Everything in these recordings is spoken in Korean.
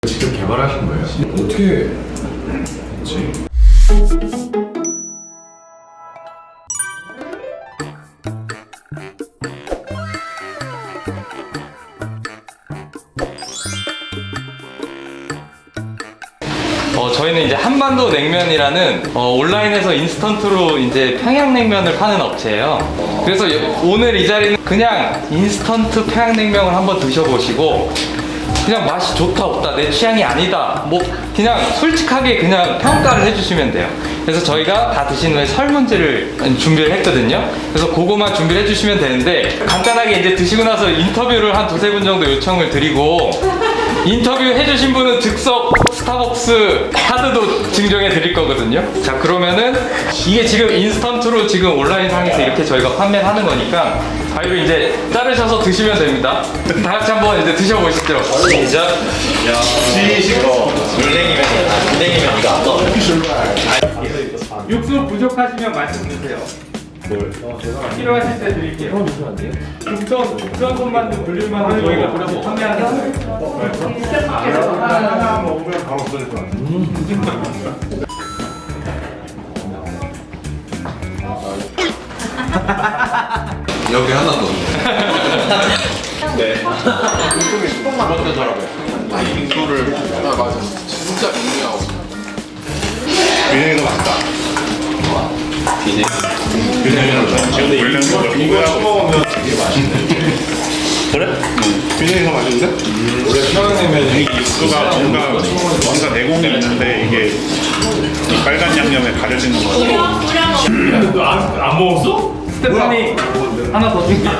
직접 개발하신 거예요? 어떻게 했지? 저희는 이제 한반도 냉면이라는 온라인에서 인스턴트로 이제 평양냉면을 파는 업체예요. 그래서 오늘 이 자리는 그냥 인스턴트 평양냉면을 한번 드셔보시고 그냥 맛이 좋다 없다 내 취향이 아니다 뭐 그냥 솔직하게 그냥 평가를 해주시면 돼요. 그래서 저희가 다 드신 후에 설문지를 준비를 했거든요. 그래서 그거만 준비를 해주시면 되는데 간단하게 이제 드시고 나서 인터뷰를 한 두세 분 정도 요청을 드리고 인터뷰 해주신 분은 즉석 스타벅스 카드도 증정해 드릴 거거든요. 자, 그러면은 이게 지금 인스턴트로 지금 온라인 상에서 이렇게 저희가 판매를 하는 거니까 가위로 이제 자르셔서 드시면 됩니다. 다 같이 한번 이제 드셔보시죠. 시작. 물냉이면 이거 안 넣어. 육수 부족하시면 말씀 주세요. 필요하실 때 드릴게요. 국전 손만두 불릴만두 저희가 그래서 판매하는 하나 먹으면 바로 없어질 것 같아. 여기 하나 더. 네. 이것도 더라고요. 빙수를 맞아. 진짜 빙수하고. 비냉이 더 맛있다. 비냉. 비냉이랑 근데 이거 처먹으면 이게 맛있네. 그래? 비냉이 더 맛있는데? 원래 평양냉면이 육수가 뭔가 내공이 있는데 이게 이 빨간 양념에 가려지는 거죠. 너안 먹었어? 스테파니 하나 더 줄게요.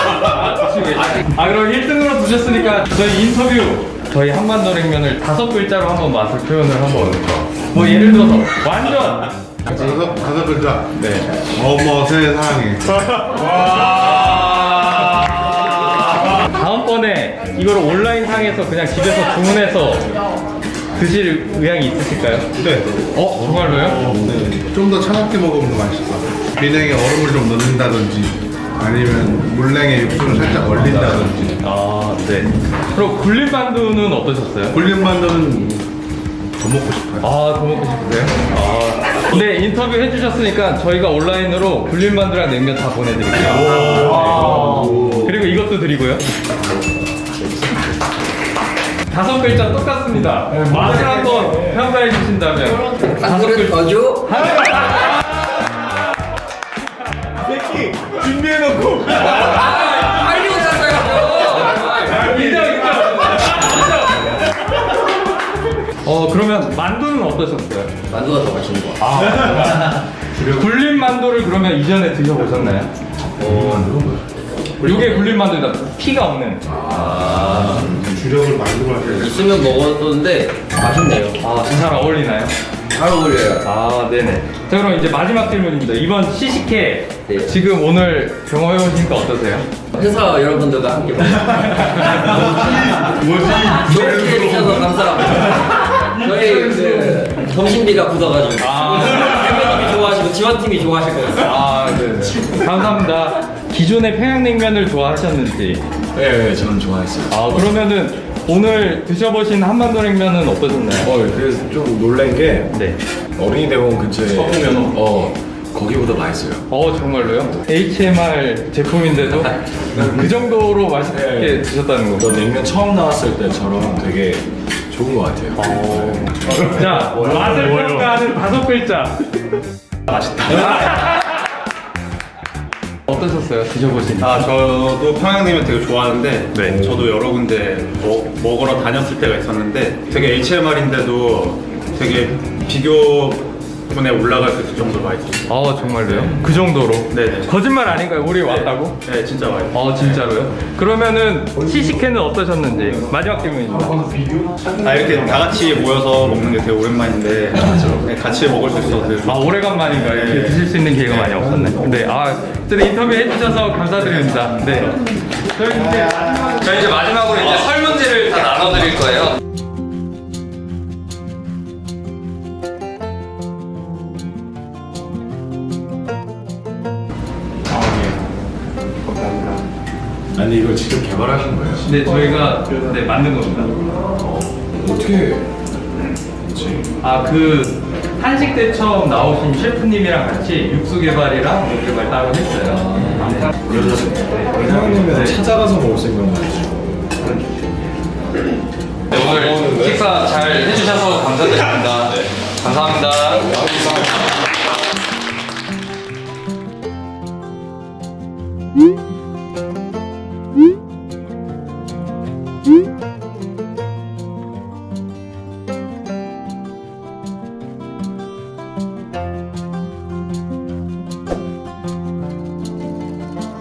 그럼 1등으로 드셨으니까 저희 인터뷰 저희 한반도 냉면을 5글자로 한번 맛을 표현을 한번 뭐 예를 들어서 완전 다섯 글자. 네. 어머 세상에. 다음번에 이걸 온라인 상에서 그냥 집에서 주문해서 드실 의향이 있으실까요? 네. 정말로요? 네. 좀 더 차갑게 먹으면 더 맛있어. 비냉에 얼음을 좀 넣는다든지 아니면 물냉에 육수를 살짝 얼린다든지. 네. 그럼 굴린 만두는 어떠셨어요? 굴린 만두는 더 먹고 싶어요. 더 먹고 싶으세요? 네, 인터뷰 해주셨으니까 저희가 온라인으로 굴린 만두랑 냉면 다 보내드릴게요. 그리고 이것도 드리고요. 5글자 똑같습니다. 맛을 한번 평가해 주신다면 5글자 더 줘? 새끼 준비해놓고. 빨리 오셨어요. 인정. 그러면 만두는 어떠셨어요? 만두가 더 맛있는 거 같아. 굴린 만두를 그러면 이전에 드셔보셨나요? 이게 굴린 만두다. 피가 없는. 주력을 만들고 하셔야 돼. 있으면 먹었었는데 맛있네요. 잘 어울리나요? 잘 어울려요. 네네. 자, 그럼 이제 마지막 질문입니다. 이번 시식회 네. 지금 오늘 경험해보시니까 어떠세요? 회사 여러분들과 함께 좋게 해주셔서 감사합니다. 저희 그 점심비가 굳어가지고 대표님이 좋아하시고 지원팀이 좋아하실 것 같아요. 네네. 감사합니다. 기존의 평양냉면을 좋아하셨는지. 네, 저는 좋아했어요. 그러면은 오늘 드셔보신 한반도 냉면은 어떠셨나요? 그래서 좀 놀란 게 네. 어린이 대공원 근처에 서구면 거기보다 맛있어요. 정말로요? HMR 제품인데도 그 정도로 맛있게 드셨다는 저 거. 냉면 처음 나왔을 때처럼 되게 좋은 것 같아요. 자, 맛을 평가하는 5글자. 맛있다. 어떠셨어요? 드셔보신? 저도 평양냉면 되게 좋아하는데 네. 저도 여러 군데 먹으러 다녔을 때가 있었는데 되게 HMR인데도 되게 비교분에 올라갈 수 있을 정도로 맛있었어요. 정말로요? 그 정도로? 네네. 거짓말 아닌가요? 우리 왔다고? 네, 진짜 맛있어요. 진짜로요? 그러면은 시식회는 어떠셨는지 마지막 질문입니다. 이렇게 다 같이 모여서 먹는 게 되게 오랜만인데 네, 같이 먹을 수 있어서 되게 좋아요. 오래간만인가요? 이렇게 드실 수 있는 기회가 많이 없었네. 네, 어쨌든 인터뷰 해주셔서 감사드립니다. 네. 저희 이제 마지막으로 이제 설문지를 다 나눠드릴 거예요. 아니 이걸 직접 개발하신 거예요? 네, 저희가 만든 겁니다. 어떻게 했지? 아, 그 한식 때 처음 나오신 셰프님이랑 같이 육수 개발이랑 뭐 개발 따로 했어요. 평양냉면 찾아가서 먹을 생각은 아니죠. 네, 오늘 식사 잘 해주셔서 감사드립니다. 감사합니다.